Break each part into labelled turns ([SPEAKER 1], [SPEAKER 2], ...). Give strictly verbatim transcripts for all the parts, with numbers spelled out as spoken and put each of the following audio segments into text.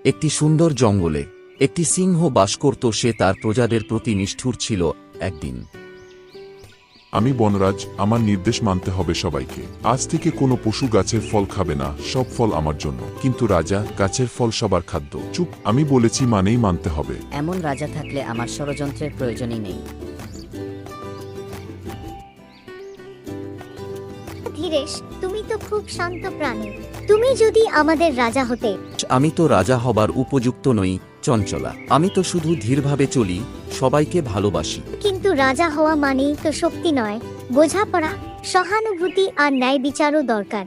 [SPEAKER 1] একটি সুন্দর জঙ্গলে একটি সিংহ বাস করত। সে তার প্রজাদের প্রতি নিষ্ঠুর ছিল। একদিন
[SPEAKER 2] আমি বনরাজ, আমার নির্দেশ মানতে হবে সবাইকে। আজ থেকে কোনো পশু গাছের ফল খাবে না, সব ফল আমার জন্য। কিন্তু রাজা, গাছের ফল সবার খাদ্য। চুপ, আমি বলেছি মানেই মানতে হবে।
[SPEAKER 3] এমন রাজা থাকলে আমার ষড়যন্ত্রের প্রয়োজনই নেই।
[SPEAKER 4] ধীরেশ, তুমি তো খুব শান্ত প্রাণী। তুমি যদি আমাদের রাজা হতে।
[SPEAKER 1] আমি তো রাজা হবার উপযুক্ত নই চঞ্চলা। আমি তো শুধু ধীরভাবে চলি, সবাইকে ভালোবাসি।
[SPEAKER 4] কিন্তু রাজা হওয়া মানেই তো শক্তি নয়, বোঝাপড়া, সহানুভূতি আর ন্যায় বিচারও দরকার।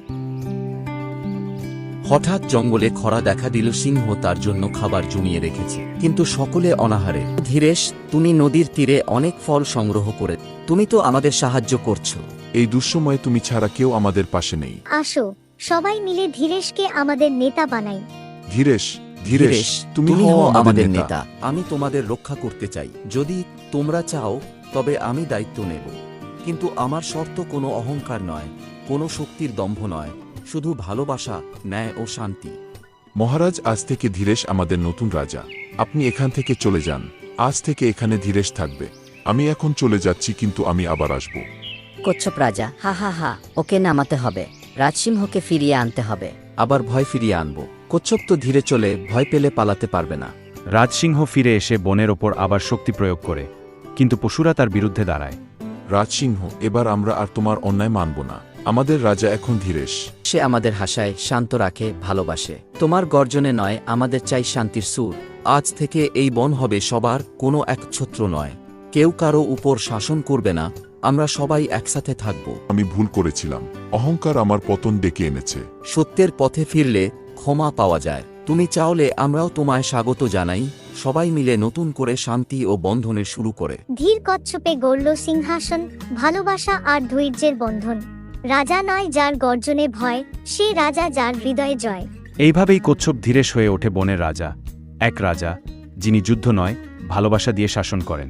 [SPEAKER 1] হঠাৎ জঙ্গলে খরা দেখা দিল। সিংহ তার জন্য খাবার জমিয়ে রেখেছে, কিন্তু সকলে অনাহারে। ধীরেশ, তুমি নদীর তীরে অনেক ফল সংগ্রহ করে তুমি তো আমাদের সাহায্য করছো।
[SPEAKER 2] এই দুঃসময়ে তুমি ছাড়া কেউ আমাদের পাশে নেই।
[SPEAKER 4] আসো, সবাই মিলে ধীরেশকে আমাদের নেতা বানাই।
[SPEAKER 2] ধীরেশ, ধীরেশ, তুমি হও আমাদের নেতা।
[SPEAKER 1] আমি তোমাদের রক্ষা করতে চাই। যদি তোমরা চাও তবে আমি দায়িত্ব নেব, কিন্তু আমার শর্ত কোনো অহংকার নয়, কোনো শক্তির দম্ভ নয়, শুধু ভালোবাসা, ন্যায় ও শান্তি।
[SPEAKER 2] মহারাজ, আজ থেকে ধীরেশ আমাদের নতুন রাজা। আপনি এখান থেকে চলে যান। আজ থেকে এখানে ধীরেশ থাকবে। আমি এখন চলে যাচ্ছি, কিন্তু আমি আবার আসব।
[SPEAKER 3] কচ্ছপ রাজা, হা হা হা, ওকে নামাতে হবে। রাজসিংহকে ফিরিয়ে আনতে হবে।
[SPEAKER 1] আবার ভয় ফিরিয়ে আনব। কচ্ছপ তো ধীরে চলে, ভয় পেলে পালাতে পারবে না।
[SPEAKER 5] রাজসিংহ ফিরে এসে বনের ওপর আবার শক্তি প্রয়োগ করে, কিন্তু পশুরা তার বিরুদ্ধে দাঁড়ায়।
[SPEAKER 2] রাজসিংহ, এবার আমরা আর তোমার অন্যায় মানব না। আমাদের রাজা এখন ধীরেশ।
[SPEAKER 1] সে আমাদের হাসায়, শান্ত রাখে, ভালোবাসে। তোমার গর্জনে নয়, আমাদের চাই শান্তির সুর। আজ থেকে এই বন হবে সবার, কোনো একছত্র নয়। কেউ কারো উপর শাসন করবে না। আমরা সবাই একসাথে থাকব।
[SPEAKER 2] আমি ভুল করেছিলাম। অহংকার আমার পতন ডেকে এনেছে।
[SPEAKER 1] সত্যের পথে ফিরলে ক্ষমা পাওয়া যায়। তুমি চাওলে আমরাও তোমায় স্বাগত জানাই। সবাই মিলে নতুন করে শান্তি ও বন্ধনের শুরু করে।
[SPEAKER 4] ধীর কচ্ছপে গড়ল সিংহাসন, ভালোবাসা আর ধৈর্যের বন্ধন। রাজা নয় যার গর্জনে ভয়, সে রাজা যার হৃদয়ে জয়।
[SPEAKER 5] এইভাবেই কচ্ছপ ধীরেশ হয়ে ওঠে বনের রাজা, এক রাজা যিনি যুদ্ধ নয়, ভালোবাসা দিয়ে শাসন করেন।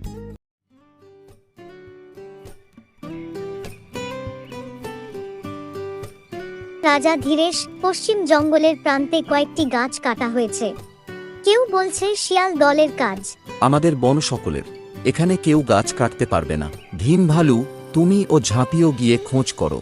[SPEAKER 4] রাজা ধীরেশ। পশ্চিম জঙ্গলের প্রান্তে কয়েকটি গাছ কাটা হয়েছে। কেউ বলছে শিয়াল দলের কাজ।
[SPEAKER 1] আমাদের বন সকলের, এখানে কেউ গাছ কাটতে পারবে না। ভীম ভালু, তুমি ও ঝাঁপিও গিয়ে খোঁজ করো।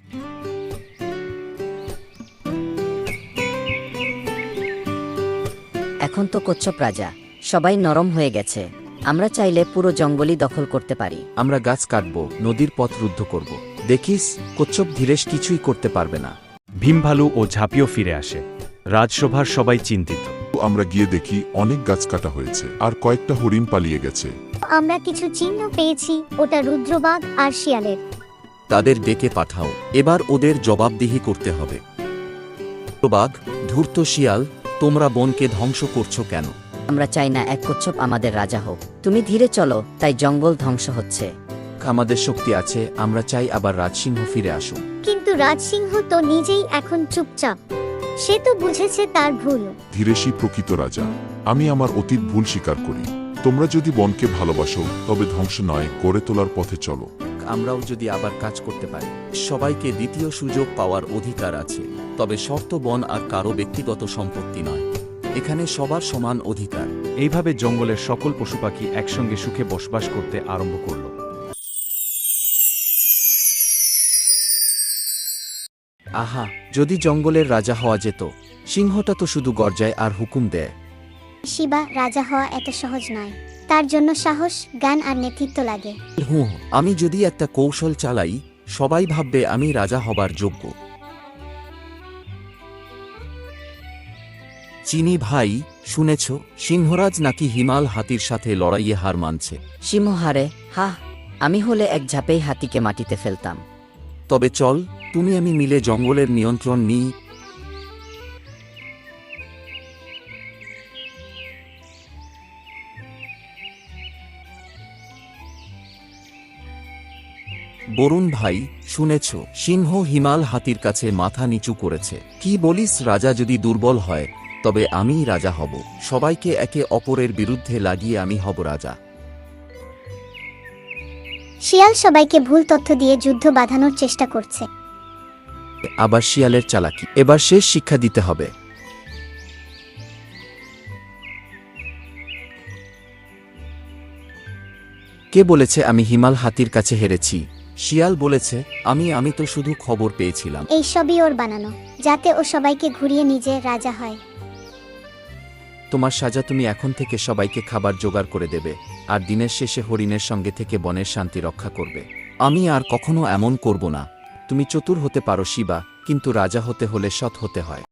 [SPEAKER 3] এখন তো কচ্ছপ রাজা, সবাই নরম হয়ে গেছে। আমরা চাইলে পুরো জঙ্গলই দখল করতে পারি।
[SPEAKER 1] আমরা গাছ কাটব, নদীর পথ রুদ্ধ করব। দেখিস, কচ্ছপ ধীরেশ কিছুই করতে পারবে না।
[SPEAKER 5] ভীম ভালু ও ঝাঁপিও ফিরে আসে। রাজসভার সবাই চিন্তিত।
[SPEAKER 2] আমরা গিয়ে দেখি অনেক গাছ কাটা হয়েছে, আর কয়েকটা হরিণ পালিয়ে গেছে।
[SPEAKER 4] আমরা কিছু চিহ্ন পেয়েছি, ওটা রুদ্রবাঘ আর শিয়ালের।
[SPEAKER 1] তাদের ডেকে পাঠাও, এবার ওদের জবাবদিহি করতে হবে। বাঘ, ধূর্ত শিয়াল, তোমরা বনকে ধ্বংস করছো কেন?
[SPEAKER 3] আমরা চাই না এক কচ্ছপ আমাদের রাজা হোক। তুমি ধীরে চলো, তাই জঙ্গল ধ্বংস হচ্ছে।
[SPEAKER 1] আমাদের শক্তি আছে, আমরা চাই আবার রাজসিংহ ফিরে আসুক।
[SPEAKER 4] কিন্তু রাজসিংহ তো নিজেই এখন চুপচাপ। সে তো বুঝেছে তার ভুল।
[SPEAKER 2] ধীরেশই প্রকৃত রাজা। আমি আমার অতীত ভুল স্বীকার করি। তোমরা যদি বনকে ভালোবাসো, তবে ধ্বংস নয়, গড়ে তোলার পথে চলো।
[SPEAKER 1] আমরাও যদি আবার কাজ করতে পারি। সবাইকে দ্বিতীয় সুযোগ পাওয়ার অধিকার আছে, তবে শর্ত বন আর কারো ব্যক্তিগত সম্পত্তি নয়। এখানে সবার সমান অধিকার।
[SPEAKER 5] এইভাবে জঙ্গলের সকল পশুপাখি একসঙ্গে সুখে বসবাস করতে আরম্ভ করল।
[SPEAKER 1] আহা, যদি জঙ্গলের রাজা হওয়া যেত। সিংহটা তো শুধু গর্জায় আর হুকুম দেয়।
[SPEAKER 4] শিবা, রাজা হওয়া এত সহজ নয়। তার জন্য সাহস, জ্ঞান আর নেতৃত্ব লাগে।
[SPEAKER 1] হুঁ, আমি যদি একটা কৌশল চালাই, সবাই ভাববে আমি রাজা হবার যোগ্য। চিনি ভাই, শুনেছ সিংহরাজ নাকি হিমাল হাতির সাথে লড়াইয়ে হার মানছে?
[SPEAKER 3] সিংহ হারে? হা, আমি হলে এক ঝাঁপেই হাতিকে মাটিতে ফেলতাম।
[SPEAKER 1] তবে চল, তুমি আমি মিলে জঙ্গলের নিয়ন্ত্রণ নিই। বরুণ ভাই, শুনেছ সিংহ হিমাল হাতির কাছে মাথা নিচু করেছে। কি বলিস? রাজা যদি দুর্বল হয়, তবে আমিই রাজা হব। সবাইকে একে অপরের বিরুদ্ধে লাগিয়ে আমি হব রাজা।
[SPEAKER 4] শিয়াল সবাইকে ভুল তথ্য দিয়ে যুদ্ধ বাঁধানোর চেষ্টা করছে।
[SPEAKER 1] আবার শিয়ালের চালাকি। এবার শেষ শিক্ষা দিতে হবে। কে বলেছে আমি হিমাল হাতির কাছে হেরেছি? শিয়াল বলেছে, আমি আমি তো শুধু খবর পেয়েছিলাম।
[SPEAKER 4] এই সবই ওর বানানো, যাতে ও সবাইকে ঘুরিয়ে নিজে রাজা হয়।
[SPEAKER 1] তোমার সাজা, তুমি এখন থেকে সবাইকে খাবার জোগাড় করে দেবে, আর দিনের শেষে হরিণের সঙ্গে থেকে বনের শান্তি রক্ষা করবে। আমি আর কখনো এমন করব না। তুমি চতুর হতে পারো শিবা, কিন্তু রাজা হতে হলে সৎ হতে হয়।